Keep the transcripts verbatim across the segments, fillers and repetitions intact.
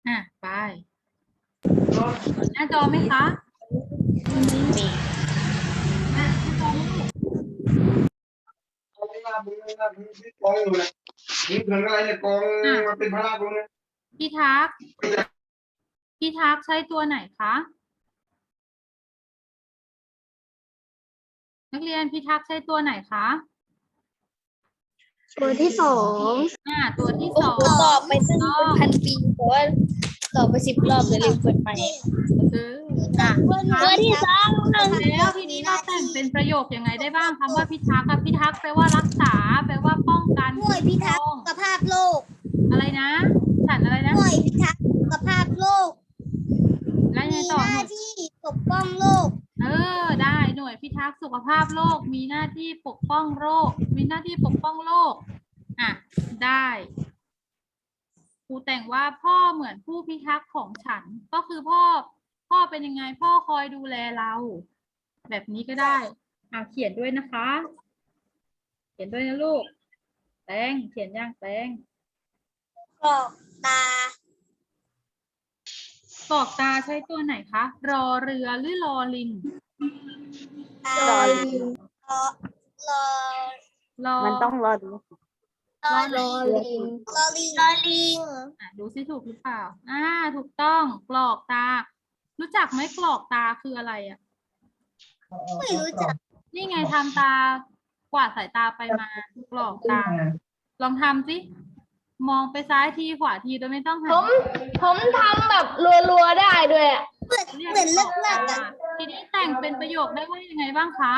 อ่ะไปหน้าจอไหมคะมีหน้าจอไหมลูกพี่ทักพี่ทักใช้ตัวไหนคะนักเรียนพี่ทักใช้ตัวไหนคะตัวที่สองอ่าตัวที่โอ้สอโหงตอบไปตั้งต้อเป็นงพันปีแต่ว่าตอบไปสิบรอบเลยลืมเปิดไปคืออ่ะตัวที่สองแล้วทีนี้เราแต่งเป็นประโยคยังไงได้บ้างคำว่าพิทักษ์กับพิทักษ์แปลว่ารักษาแปลว่าป้องกันหน่วยพิทักษ์สุขภาพโลกอะไรนะ ฉันอะไรนะหน่วยพิทักษ์สุขภาพโลกแล้วยังไงมีต่อหหน้าน่วยที่ปกป้องโลกเออได้หน่วยพิทักษ์สุขภาพโลกมีหน้าที่ปกป้องโรคมีหน้าที่ปกป้องโลกอ่ะได้ครูแต่งว่าพ่อเหมือนผู้พิทักษ์ของฉันก็คือพ่อพ่อเป็นยังไงพ่อคอยดูแลเรา แบบนี้ก็ได้อ่ะเขียนด้วยนะคะ เขียนด้วยนะลูกแตงเขียนย่างแตงกรอกตากรอกตาใช้ตัวไหนคะรอเรือหรือรอลิงตารอรอรอมันต้องรอดูรอรอลิงรอลิงรอลิงอ่ะดูสิถูกหรือเปล่าอ่าถูกต้องกรอกตา รู้จักไหมกรอกตาคืออะไรอ่ะไม่รู้จักนี่ไงทำตากวาดสายตาไปมากรอกตา ลองทำสิมองไปซ้ายทีขวาทีโดยไม่ต้องหันผมผมทำแบบรัวๆได้ด้วยอะเหมือนรียเหมือนเลิกกรเลิอกกตาอ่ะทีนี้แต่งเป็นประโยคได้ว่ายังไงบ้างคะ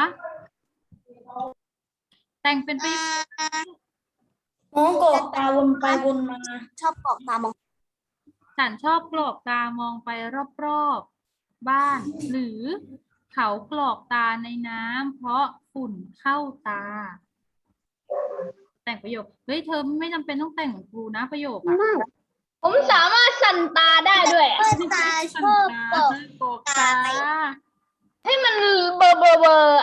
แต่งเป็นประโยคมองกรอกตาวนไปวนมาชอบกรอกตามองฉันชอบกรอกตามองไปรอบๆบ้าน หรือเขากรอกตาในน้ำเพราะฝุ่นเข้าตา แต่งประโยคเฮ้ยเธอไม่จำเป็นต้องแต่งเหมือนครูนะประโยคอะผมสามารถสั่นตาได้ด้วยอะเพื่อนตาชอบกรอกกรอกตาให้มันเบอร์เบอร์เบอร์อะ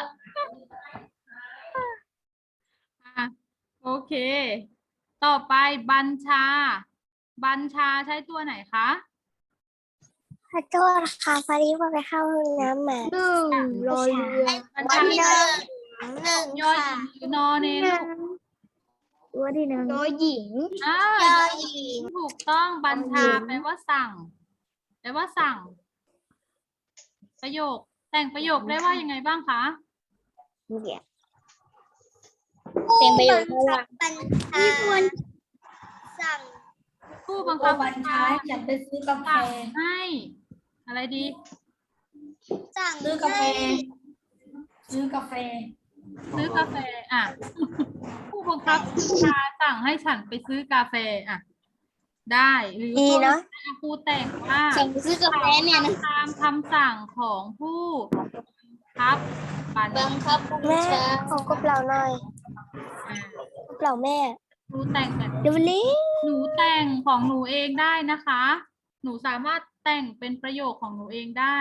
อ่ะโอเค ต่อไปบัญชา บัญชาใช้ตัวไหนคะขอโทษค่ะพอดีว่าไปเข้าห้องน้ำมาหนึ่งรอเรือบัญวัชานที่หนึ่งหนึ่งยอหค่ะญิงหรือนอเนนลูกตัวที่หนึ่งตัวหญิงอ่ายอหญิงถูกต้องบัญชายอหญิงแปลว่าสั่งแปลว่าสั่ง ประโยค แต่งประโยคได้ว่ายังไงบ้างคะเนี่ยผู้เป็นประโยบัคงว่าคับบัญชาสั่งผู้บังคับบัญชาจะไปซื้อกาแฟสั่งให้ อะไรดีสั่งซื้อกาแฟให้ซื้อกาแฟซื้อกาแฟอ่ะ ผู้บังคับบัญชาสั่งให้ฉันไปซื้อกาแฟอ่ะ ได้หรือดีเนาะครูแต่งว่าสั่งซื้อกาแฟเนี่ยนะตามคำสั่งของผู้ครับบัญบังคับบัญชาขอกบเราหน่อยอ่ะกบเราแม่ครูแต่งแบบเดี๋ยวนี้หนูแต่งของหนูเองได้นะคะ หนูสามารถแต่งเป็นประโยคของหนูเองได้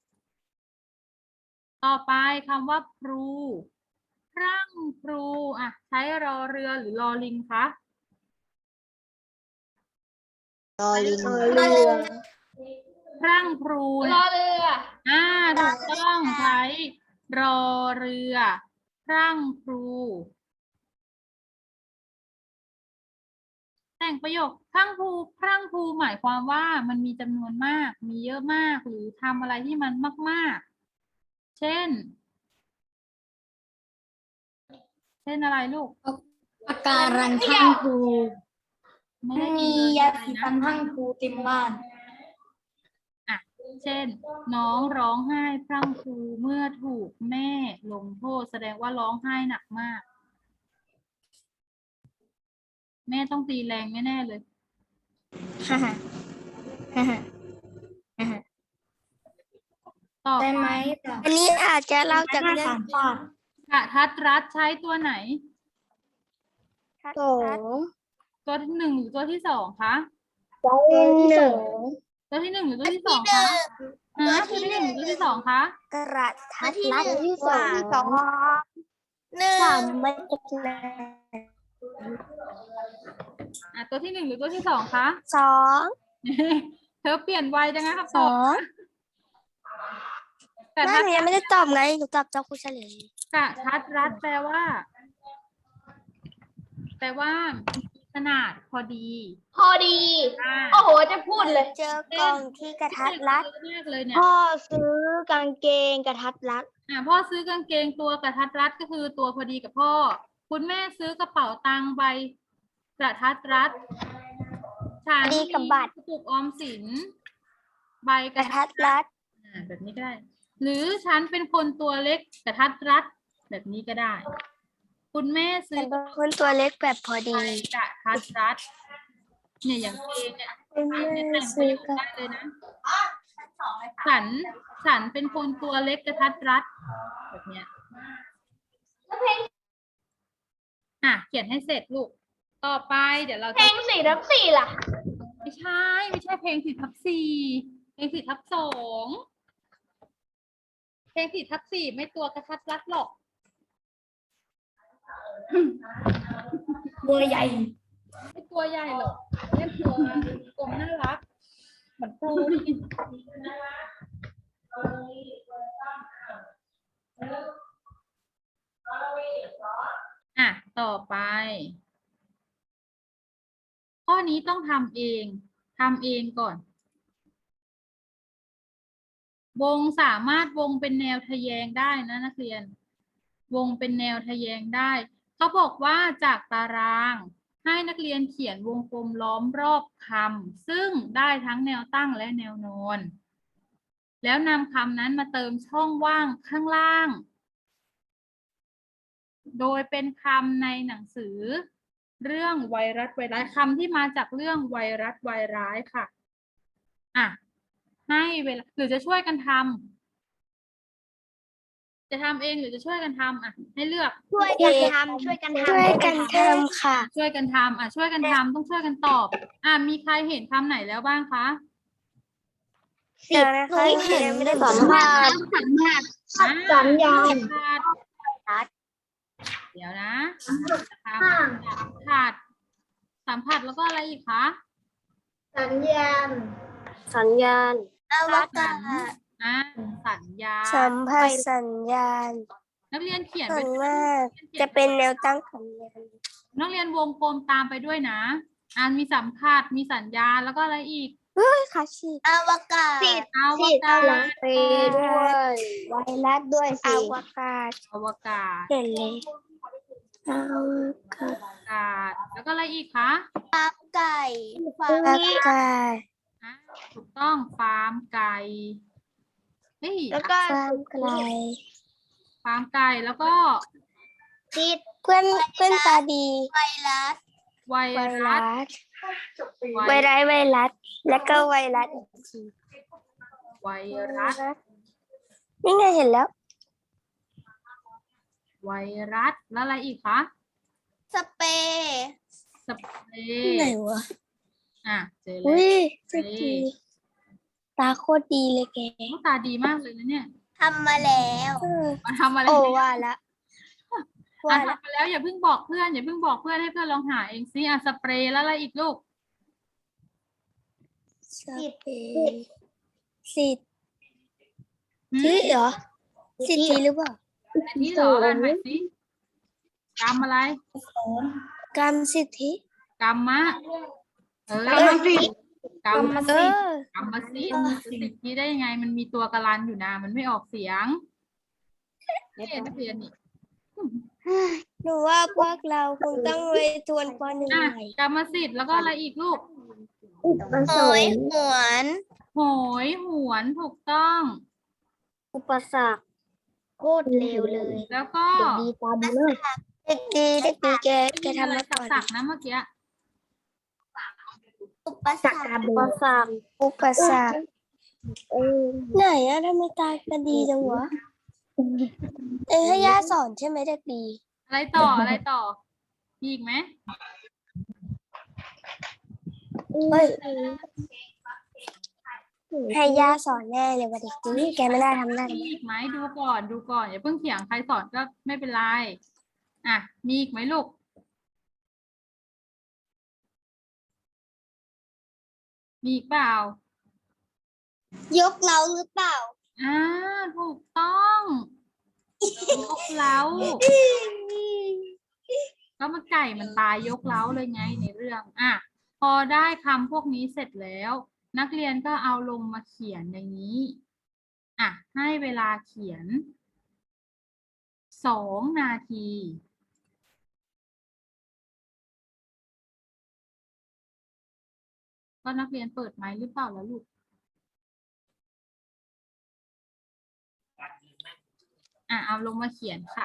ต่อไปคำว่าพลูพรั่งพลูอ่ะ ใช้รอเรือหรือรอลิงคะรอลิงเรือพรั่งพลูรเนี่อย เรืออ่าถูกต้องใช้รอเรือพรั่งพลูแต่งประโยคพรั่งพลูพรั่งพลูหมายความว่ามันมีจำนวนมาก มีเยอะมากหรือทำอะไรที่มันมาก ๆ เช่น เช่นอะไรลูกปากการังทั้งภูไม่ได้มียินเลยยาอะไรสีนะฟันทั้งภูเต็มบ้านอ่ะ เช่น น้องร้องไห้พรั่งพรูเมื่อถูกแม่ลงโทษแสดงว่าร้องไห้หนักมาก แม่ต้องตีแรงแน่ๆเลยฮ่าฮ่าฮ่าฮ่าฮ่าฮ่าต่อได้ไปไหมอันนี้อาจจะเล่าจากเรื่องสามฟาดกะทัดรัดใช้ตัวไหนสองตัวที่หนึ่งหรือตัวที่สองคะตัวที่หนึ่งตัวที่หนึ่งหรือตัวที่สองคะฮะตัวที่หนึ่งหรือตัวที่สองคะกระทัดรัดที่สองสองหนึ่งสามไม่เป็นไรอ่ะตัวที่หนึ่งหรือตัวที่สองคะสองเธอเปลี่ยนไวจังนะครับสตออบ งแต่แม่ถ้าหนูยังไม่ได้ตอบไงหนูตอบเจ้าครูเฉลยกระทัดรัดแปลว่า แปลว่าขนาดพอดีพอดีอ่าโอ้โห จะพูดเลยเจอกล่องที่กระทัดรัดเลือกเลยเนี่ยพ่อซื้อกางเกงกระทัดรัดอ่าพ่อซื้อกางเกงตัวกระทัดรัดก็คือตัวพอดีกับพ่อ คุณแม่ซื้อกระเป๋าตังค์ใบกระทัดรัดฉันพอดีกับบัตรมีกระปุกออมสินใบกกระระทัทัดดรัดอ่าแบบนี้ก็ได้ หรือฉันเป็นคนตัวเล็กกระทัดรัด แบบนี้ก็ได้ คุณแม่ซื้ฉัอนเป็นคนตัวเล็กแบบพอใบดีกระทัดรัดเนี่ยอย่างเพลงเนี่ยคุณแม่เนี่ยแต่งประซื้อโยคกับได้เลยนะ ฉัน ฉันเป็นคนตัวเล็กกระทัดรัด แบบเนี้ยอ่ะ เขียนให้เสร็จลูก ต่อไปเดี๋ยวเราเพลจะงสี่ทับสี่ล่ะไม่ใช่ ไม่ใช่เพลงสี่ทับสี่เพลงสี่ทับสองเพลงสี่ทับสี่ไม่ตัวกระทัดรัดหรอกตัวใหญ่ไม่ตัวใหญ่หรอกเรียกตัวกลมน่ารัก เหมือนปูนี่อ่ะ ต่อไป ข้อนี้ต้องทำเองทำเองก่อน วงสามารถวงเป็นแนวทะแยงได้นะนักเรียน วงเป็นแนวทะแยงได้ เขาบอกว่าจากตารางให้นักเรียนเขียนวงกลมล้อมรอบคำซึ่งได้ทั้งแนวตั้งและแนวนอน แล้วนำคำนั้นมาเติมช่องว่างข้างล่าง โดยเป็นคำในหนังสือ เรื่องไวรัสไวร้ายคำที่มาจากเรื่องไวรัสไวร้ายค่ะ อ่ะ ให้เวลาหรือจะช่วยกันทำจะทำเองหรือจะช่วยกันทำอ่ะ ให้เลือกช่วยกันทำช่วยกันทำช่วยกันทำค่ะช่วยกันทำอ่ะช่วยกันทำต้องช่วยกันตอบ อ่ะมีใครเห็นคำไหนแล้วบ้างคะเดี๋ยวนะคะหนูยังไม่ได้ตอบสัมภาษณ์อ่ะสัญญาณสัมภาษณ์เดี๋ยวนะสัมผัสสัมผัสแล้วก็อะไรอีกคะสัญญาณสัญญาณ อวกาศอ่ะสัญญาณสัมผัสสัญญาณนักเรียนเขียนส่ไปวนมากจะเป็นแนวตั้งสัญญาณนักเรียนวงกลมตามไปด้วยนะอ่านมีสัมผัสมีสัญญาณแล้วก็อะไรอีกเฮ้ยค่ะชีอวกาศอวกาศไปด้วยไวรัสด้วยสิอวกาศอวกาศเห็นเลยอวกาศอวกาศแล้วก็อะไรอีกคะไก่ฟาร์มไก่อ่ะถูกต้องฟาร์มไก่เฮ้ยแล้วก็ฟาร์มไก่ฟาร์มไก่แล้วก็ติดเพื่อนเพื่อนตาดีไวรัสไวไวรัรัสสไวรัสไวรัสแล้วก็ไวรัสอีกทีไวรัสนี่ไงเห็นแล้วไวรัสแล้วอะไรอีกคะสเปรย์สเปรไหนย์วะอ่ะเจอแล้อุ้วยสกีตาโคตรดีเลยแกหน้าตาดีมากเลยนะเนี่ยทำมาแล้วมาทำอะไรโอ้เนี่ยว่าละอ่ะว่าละทำมาแล้วอย่าเพิ่งบอกเพื่อนอย่าเพิ่งบอกเพื่อนให้เพื่อนลองหาเองซิอ่ะสเปรย์แล้วอะไรอีกลูกสเปรย์สิทธิ์หืมที่เหรอสิทธิหรือเปล่าอันนี้เหรออ่านใหม่สิกรรมอะไรกรรมสิทธิกรรมะเออกรรมสิทธิ์กรรมเอสิทธิ์อกรรมสิทธิ์สิทธิได้ยังไงมันมีตัวกรันอยู่นะมันไม่ออกเสียงนี่นักเรียนนี่หนูว่าพวกเราคงต้องไปทวนปหนึ่งอ่ะใหม่กรรมสิทธิ์แล้วก็อะไรอีกลูกโหยหวนโหยหวนถูกต้องอุปสรรคโคตรเร็วเลยแล้วก็ดีตาดีเลยเด็กดีเด็กดีแกแกทำอะไรมาก่อนสักๆนะเมื่อกี้อุปสรรคอุปสรรคอุปสรรคไหนอะทำไมตายกันดีจังวะเอ้ยให้ย่าสอนใช่ไหมเด็กดีอะไรต่ออะไรต่อมีอีกไหมเฮ้ยให้ย่าสอนแน่เลยว่าเด็กดีแกไม่ได้ทำได้มีอีกไหมดูก่อนดูก่อนอย่าเพิ่งเถียงใครสอนก็ไม่เป็นไรอ่ะมีอีกไหมลูกมีอีกเปล่ายกเล้าหรือเปล่าอ่าถูกต้องยกเล้าก็มันไก่มันตายยกเล้าเลยไงในเรื่องอ่ะพอได้คำพวกนี้เสร็จแล้ว นักเรียนก็เอาลงมาเขียนอย่างนี้อ่ะให้เวลาเขียนสองนาทีก็นักเรียนเปิดไมค์หรือเปล่าแล้วลูกอ่ะเอาลงมาเขียนค่ะ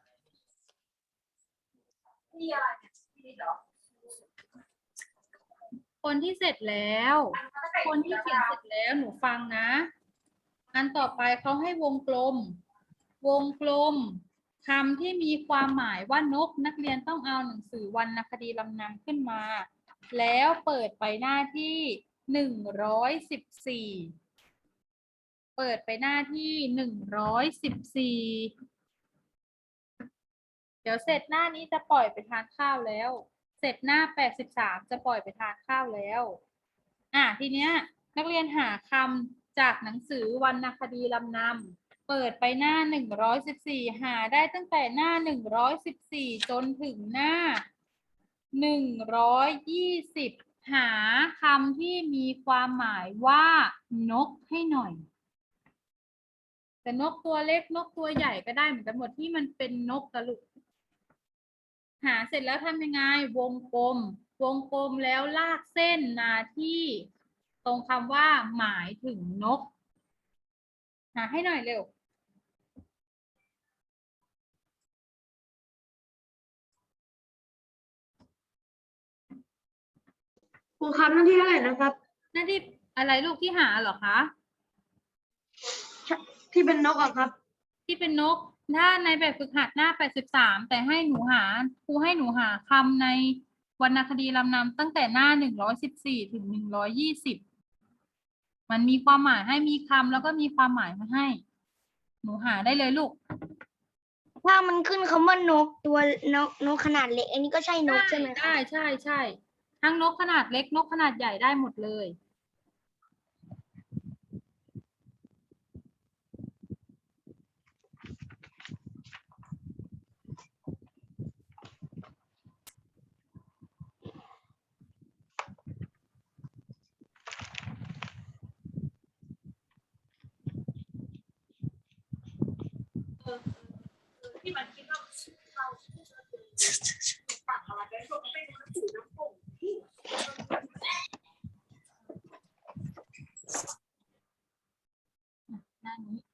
คนที่เสร็จแล้ว คนที่เขียนเสร็จแล้วหนูฟังนะ อันต่อไปเขาให้วงกลม วงกลมคำที่มีความหมายว่านกนักเรียนต้องเอาหนังสือวรรณคดีลำนำขึ้นมา แล้วเปิดไปหน้าที่หนึ่งร้อยสิบสี่เปิดไปหน้าที่หนึ่งร้อยสิบสี่เดี๋ยวเสร็จหน้านี้จะปล่อยไปทานข้าวแล้ว เสร็จหน้าแปดสิบสามจะปล่อยไปทานข้าวแล้วอ่ะทีเนี้ยนักเรียนหาคำจากหนังสือวรรณคดีลำนำเปิดไปหน้าหนึ่งร้อยสิบสี่หาได้ตั้งแต่หน้าหนึ่งร้อยสิบสี่จนถึงหน้าหนึ่งร้อยยี่สิบหาคำที่มีความหมายว่านกให้หน่อยแต่นกตัวเล็กนกตัวใหญ่ก็ได้เหมือนกันหมดที่มันเป็นนกกระลุกหาเสร็จแล้วทำยังไงวงกลมวงกลมแล้วลากเส้นมาที่ตรงคำว่าหมายถึงนกหาให้หน่อยเร็วครูครับหน้าที่เท่าไหร่นะครับหน้าที่อะไรลูกที่หาเหรอคะที่เป็นนกอะครับที่เป็นนกถ้าในแบบฝึกหัดหน้าแปดสิบสามแต่ให้หนูหาครูให้หนูหาคำในวรรณคดีลำนำตั้งแต่หน้าหนึ่งร้อยสิบสี่ถึงหนึ่งร้อยยี่สิบมันมีความหมายให้มีคำแล้วก็มีความหมายมาให้ หนูหาได้เลยลูกถ้ามันขึ้นคำว่านกตัวนกนกขนาดเล็ก อันนี้ก็ใช่นกใช่ไหมคะได้ใช่ใช่ทั้งนกขนาดเล็กนกขนาดใหญ่ได้หมดเลย หน้านี้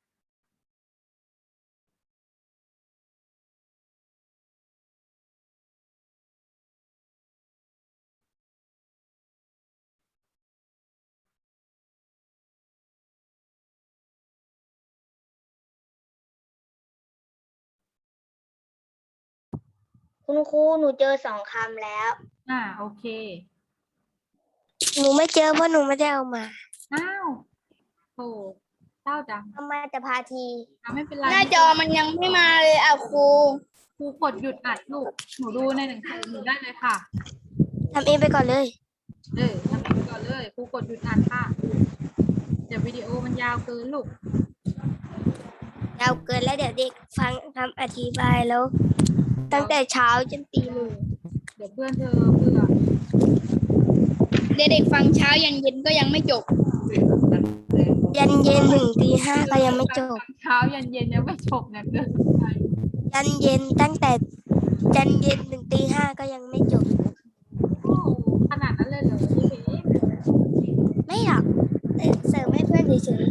คุณครูหนูเจอสองคำแล้วอ่าโอเคหนูไม่เจอเพราะหนูไม่ได้เอามาอ้าวโถเศร้าจังเอามาแต่พาทีอ่ะไม่เป็นไรหน้าจอมันยังไม่มาเลยอ่ะครูครูกดหยุดอัดลูกหนูดูในหนังสือหนูได้เลยค่ะทำเองไปก่อนเลยเออทำเองก่อนเลยครูกดหยุดอ่านค่ะเดี๋ยววิดีโอมันยาวเกินลูกยาวเกินแล้วเดี๋ยวเด็กฟังคำอธิบายแล้ว ตั้งแต่เช้าจนตีหนึ่งเดี๋ยวเพื่อนเธอเบื่อเด็กๆฟังเช้ายันเย็นก็ยังไม่จบ ยันเย็นถึงตีห้าก็ยังไม่จบเช้ายันเย็นยังไม่จบเนี่ยเกินไปยันเย็นตั้งแต่ยันเย็นถึงตีห้าก็ยังไม่จบโอ้ขนาดนั้นเลยเหรอพี่เอ๋ไม่หรอกเอ่อเสริมให้เพื่อนเฉย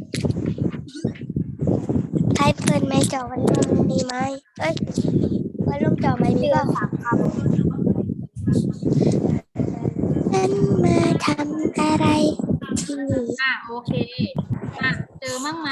ๆให้เพื่อนไม่จอวันร่มดีไหมเอ้ยวันร่มจอไหมนี่ก็สามคำนั่นมาทำอะไรที่นี่อ่ะโอเคอ่ะเจอมั่งไหม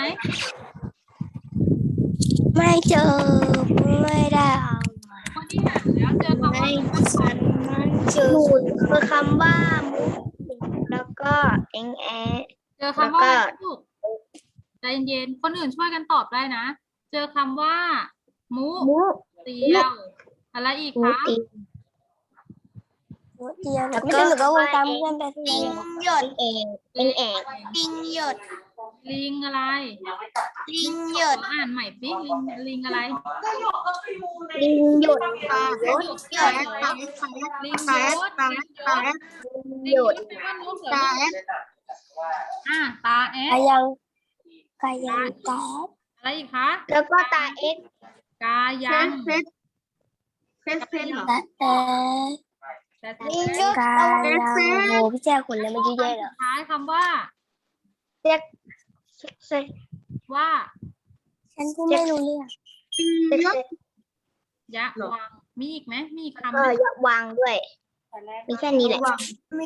ไม่เจอไม่ได้เอามาคนที่หาแล้วเจอคำว่าไม่ฉันมันเจอคือคำว่ามุกแล้วก็เอ็งแอเจอคำว่าอะไรลูกใจเย็นๆคนอื่นช่วยกันตอบได้นะ เจอคำว่ามุมุเตียวอะไรอีกมุคะตีเดียวแล้วก็หนูก็วงตามเพื่อนไปทีลิงหยดเองเป็นเอกลิงหยดลิงอะไรลิงหยดอ่านใหม่สิลิงลิงอะไรลิงหยดค่ะหยดหยดลิงยศลิงยศลิงหยยดศแปลว่านกเหรออ่ะตาแอใครดยังใครยังตาอะไรอีกคะแล้วก็ตาเอ็กกายังเซตเซตเซตเหรอตาเอแต่ลิงยศกายังโหพี่แจ้ขนแล้วมันยุ่ยแย่เหรอท้ายคำว่าเซ็กเซ็กว่าฉันพูดไม่รู้เรื่องเซ็กยะวังมีอีกไหมมีอีกคำเอไหมออย่าวางด้วยมีแค่นี้แหละมี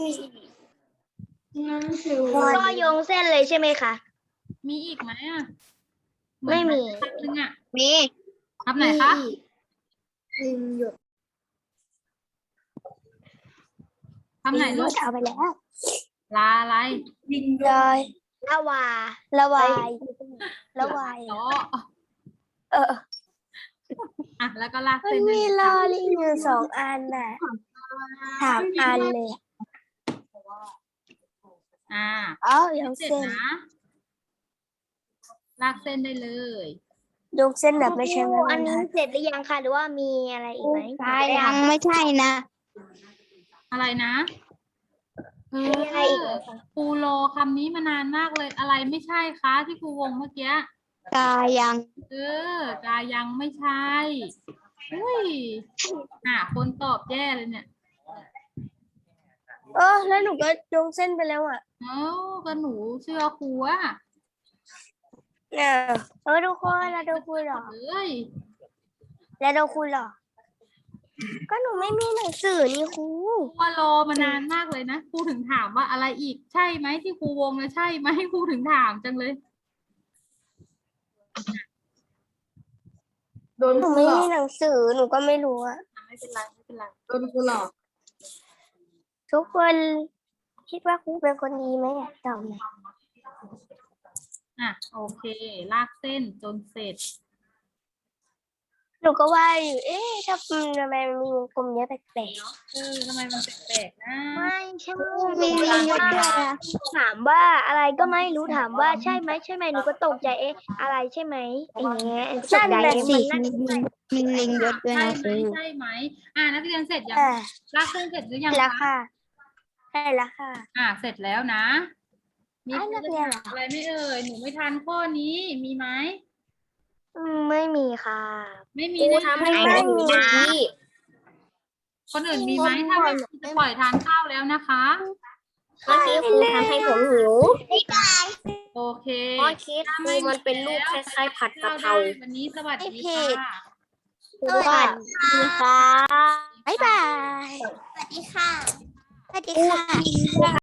ก็โยงเส้นเลยใช่ไหมคะมีอีกไหมอ่ะไม่มีคำหนึ่งอ่ะมีคำไหนคะลิงหยดคำไหนลูกเอาไปแล้วลาอะไรลอยละวาละวายละวายล้อเอออ่ะแล้วก็ลากมันเส้นมีลอลิงอยู่สองอันน่ะสามอันเลยอ่าอ๋อยกเสร็จเส้นนะลากเส้นได้เลยยกเส้นแบบไม่ใช่ไม้บอัรนรนี้ทัดเสร็จหรือยังคะหรือว่ามีอะไรอีกไหมยังไม่ใช่นะอะไรนะเอมีอะไรอีกไหมอคะครูโลคำนี้มานานมากเลยอะไรไม่ใช่คะที่ครูวงเมื่อกี้กายังเออกายังไม่ใช่อุ้ยอ่ะคนตอบแย่เลยเนี่ยเออแล้วหนูก็ยกเส้นไปแล้วอ่ะเอ้าก็หนูเชื่อครูอะเนี่ยเออดูคนแล้วดูคุณหรอเอ้ยแล้วดูคุณหรอ ก็หนูไม่มีหนังสือนี่ครูครูว่ารอมานานมากเลยนะครูถึงถามว่าอะไรอีกใช่ไหมที่ครูวงเลยใช่ไหมครูถึงถามจังเลยโดนหนูครูไม่หลอมีกหนังสือหนูก็ไม่รู้อะไม่เป็นไรไม่เป็นไรโดนครูหลอกทุกคนคิดว่าครูเป็นคนดีไหมอะตอบหน่อยอ่ะโอเค ลากเส้นจนเสร็จหนูก็ว่าอยู่เอ๊ะถ้าทำไมมันมีวงกลมเยอะแปลกเออทำไมมันแปลกๆนะไม่ใช่ๆมีลิงเยอะด้วยอะถามว่าอะไรก็ไม่รู้ถามว่าใช่ไหมใช่ไหมหนูก็ตกใจเอ๊ะอะไรใช่ไหมอย่างเงี้ยตกใจเอ๊ะมันน่ามีลิงเยอะด้วยใช่นะไหมใช่ไหมอ่ะนักเรียนเสร็จยังอ่าลากเส้นเสร็จหรือยังแล้วคะค่ะใช่แล้วค่ะอ่ะเสร็จแล้วนะ มีอ้าวใครนักจะเรียนถามอะไรไหม่เอ่ยหนูไม่ทันข้อนี้มีไหมอืมไม่มีค่ะไม่มีครูแน่ทำให้ๆหนูนะคนอื่นมีไหมถ้าไม่มีจะปล่อยทานข้าวแล้วนะคะเมื่อกี้ครูทำให้ผมหิวโอเคเพราะคิดครูมันเป็นรูปคล้ายๆผัดกะเพราวันนี้สวัสดีไม่ผิค่ะดสวัสดีค่ะบ๊ายบายสวัสดีค่ะสวัสดีค่ะ